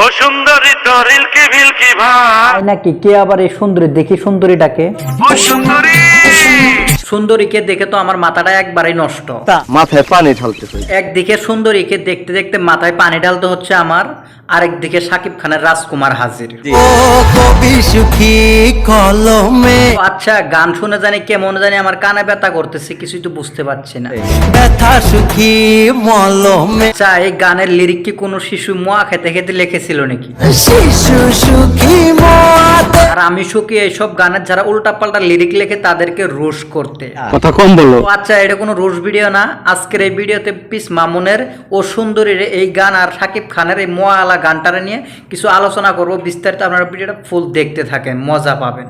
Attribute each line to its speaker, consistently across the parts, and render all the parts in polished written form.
Speaker 1: ও সুন্দরী তোর ইলকি ভিলকি ভাই
Speaker 2: নাকি কে আবার এই সুন্দরী দেখি সুন্দরীটাকে
Speaker 1: ও সুন্দরী
Speaker 2: সুন্দরীকে দেখে তো আমার মাথাটা একবারেই নষ্ট।
Speaker 3: মাথায় পানি ঢালতেছে।
Speaker 2: একদিকে সুন্দরীকে দেখতে দেখতে মাথায় পানি ঢালতে হচ্ছে আমার, আরেকদিকে শাকিব খানের রাজকুমার হাজির।
Speaker 4: ও কবি সুখী কলমে
Speaker 2: আচ্ছা, গান শুনে জানি কেমন জানি আমার কানে ব্যথা করতেছে, কিছুই তো বুঝতে পারছি না।
Speaker 4: ব্যথা সুখী মলমে
Speaker 2: আচ্ছা, এই গানের লিরিক কি কোনো শিশু মোয়া খেতে খেতে লিখেছিল নাকি?
Speaker 4: শিশু সুখী মত
Speaker 2: আর আমি সুখী এইসব গানের যারা উল্টাপাল্টা লিরিক লেখে তাদেরকে রোশ করতে।
Speaker 3: কথা কম বলো।
Speaker 2: তো আচ্ছা, এটা কোনো রোশ ভিডিও না। আজকের এই ভিডিওতে পিস মামুনের ও সুন্দরীর এই গান আর শাকিব খানের এই মোয়ালা গানটারে নিয়ে কিছু আলোচনা করব বিস্তারিত। আপনারা ভিডিওটা ফুল দেখতে থাকেন, মজা পাবেন।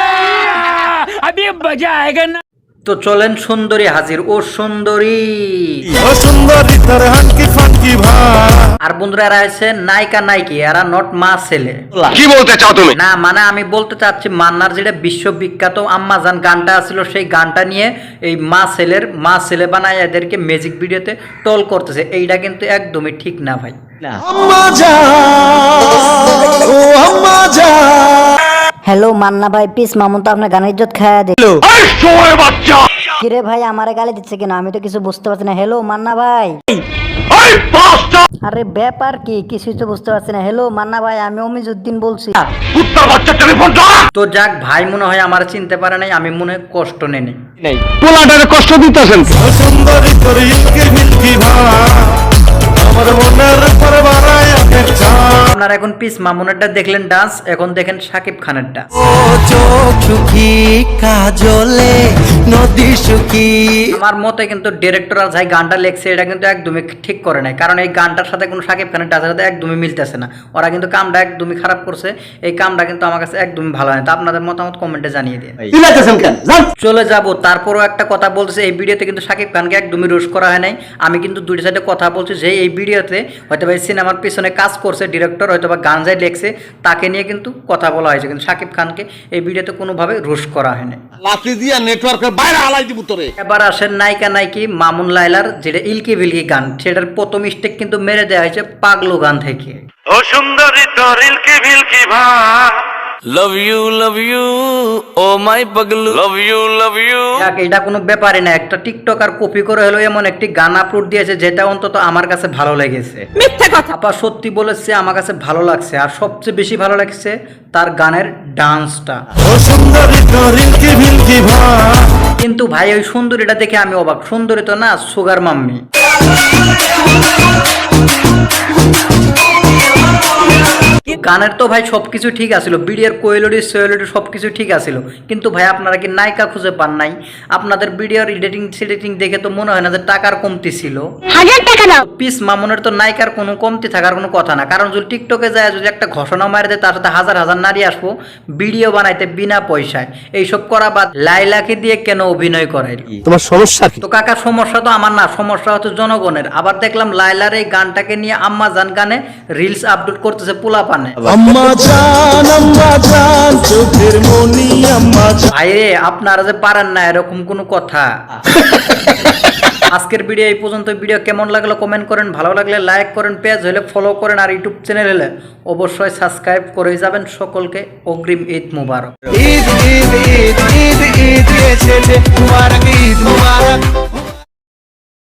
Speaker 2: তো চলেন, সুন্দরী হাজির। ও সুন্দরী।
Speaker 1: ও সুন্দরী তোর হানকি ফানকি ভাই
Speaker 2: আর বন্ধুরা, এরা হচ্ছে নায়িকা নায়িকি, এরা নট মা ছেলে।
Speaker 3: কি বলতে চাও তুমি?
Speaker 2: না মানে আমি বলতে চাচ্ছি, মান্নার যেটা বিশ্ববিখ্যাত আম্মাজান গানটা ছিল, সেই গানটা নিয়ে এই মা ছেলে বানায় এদেরকে ম্যাজিক ভিডিওতে টোল করতেছে। এইটা কিন্তু একদমই ঠিক না ভাই।
Speaker 4: আম্মা জান ও আম্মা জান
Speaker 5: হ্যালো মান্না ভাই, পিস মামুন তো আপনার গানের ইজ্জত খায়া দে। কিরে ভাই, আমারে গালি দিচ্ছে কেন? আমি তো কিছু বুঝতে পারছি না। হ্যালো মান্না ভাই। আরে ব্যাপার কি, কিছুই তো বুঝতে পারছি না। হ্যালো মান্না ভাই, আমি অমিজউদ্দিন বলছি।
Speaker 2: তো যাক, ভাই মনে হয় আমার চিনতে পারে নাই, আমি মনে হয় কষ্ট নেই।
Speaker 3: পোলাটারে কষ্ট দিতেছেন।
Speaker 1: ও সুন্দরী তোর ইলকি ভিলকি ভাই আমার মনের উপর বাড়ায়
Speaker 2: আপনারা এখন পিস মামুনেরটা দেখলেন ডান্স, এখন দেখেন শাকিব খানেরটা।
Speaker 4: ও চোখ সুখী কাজলে নদী সুখী
Speaker 2: আমার মতে কিন্তু ডিরেক্টর আর যাই গানটা লেখছে এটা কিন্তু একদমই ঠিক করে নাই, কারণ এই গানটার সাথে কোনো শাকিব খানের ডান্সের সাথে একদমই মিলতেছে না। ওরা কিন্তু কামটা একদমই খারাপ করছে। এই কামটা কিন্তু আমার কাছে একদমই ভালো হয় না। তো আপনাদের মতামত কমেন্টে জানিয়ে দিন। চলে যাব। তারপরও একটা কথা বলছে, এই ভিডিওতে কিন্তু শাকিব খানকে একদমই রোশ করা হয় নাই। আমি কিন্তু দুইটা সাইডে কথা বলছি যে এই ভিডিওতে হয়তো বা সিনেমার পিছনে কাজ করছে ডিরেক্টর, হয়তো বা গান যাই লেখছে তাকে নিয়ে কিন্তু কথা বলা হয়েছে, কিন্তু শাকিব খানকে এই ভিডিওতে কোনোভাবে রোশ করা হয়নি।
Speaker 3: লাফি দিয়া নেটওয়ার্কের বাইরে আলাই দিব তোরে।
Speaker 2: এবার আসেন নায়িকা নায়িকি মামুন লায়লার যেটা ইলকি ভিলকি গান, সেটার প্রথম স্টেক কিন্তু মেরে দেওয়া হয়েছে পাগলু গান থেকে।
Speaker 1: ও সুন্দরী তোর ইলকি ভিলকি ভাই
Speaker 6: love you, oh my paglu, love you.
Speaker 2: যাক, এটা কোনো ব্যাপারই না। একটা টিকটকার কপি করে হলো এমন একটি গান আপলোড দিয়েছে যেটা অন্তত আমার কাছে ভালো লেগেছে। মিথ্যা কথা। আপা সত্যি বলেছে, আমার কাছে ভালো লাগছে। আর সবচেয়ে বেশি ভালো লাগছে তার গানের ডান্সটা।
Speaker 1: ও সুন্দরী তোর ইলকি ভিলকি ভাই
Speaker 2: কিন্তু ভাই, ওই সুন্দরীটা দেখে আমি অবাক। সুন্দরী তো না, সুগার মাম্মি। গানের তো ভাই সবকিছু ঠিক আছিল, ভিডিওর কোয়ালিটি সোয়ালিটি সবকিছু ঠিক আছিল, কিন্তু ভাই আপনারা কি নায়িকা খুঁজে পান নাই? আপনাদের ভিডিওর এডিটিং দেখে তো মনে হয় না যে টাকার কমতি ছিল।
Speaker 5: 1000 টাকা দাও।
Speaker 2: পিস মামুনের তো নায়িকার কোনো কমতি থাকার কোনো কথা না, কারণ যদি টিকটকে যায় যদি একটা ঘোষণা মারি দেয় তার সাথে হাজার হাজার নারী আসবো ভিডিও বানাইতে বিনা পয়সায়। এইসব করা বাদ লাইলাকে দিয়ে কেন অভিনয় করাই?
Speaker 3: তোমার সমস্যা কি?
Speaker 2: তো কাকা, সমস্যা তো আমার না, সমস্যা হচ্ছে জনগণের। আবার দেখলাম লাইলার এই গানটাকে নিয়ে আম্মা জান গানে রিলস আপলোড করতেছে পোলা পানে।
Speaker 1: আম্মা জান চোখের মনি আম্মা জান।
Speaker 2: ভাইরে, আপনারা যে পারেন না এরকম কোনো কথা। আজকের ভিডিও এই পর্যন্ত। ভিডিও কেমন লাগলো কমেন্ট করেন, ভালো লাগলে লাইক করেন, পেজ হলে ফলো করেন, আর ইউটিউব চ্যানেল হলে অবশ্যই সাবস্ক্রাইব করে যাবেন। সকলকে অগ্রিম ঈদ মুবারক।
Speaker 4: ঈদ ঈদ ঈদ ঈদ ঈদ ঈদ মুবারক ঈদ মুবারক।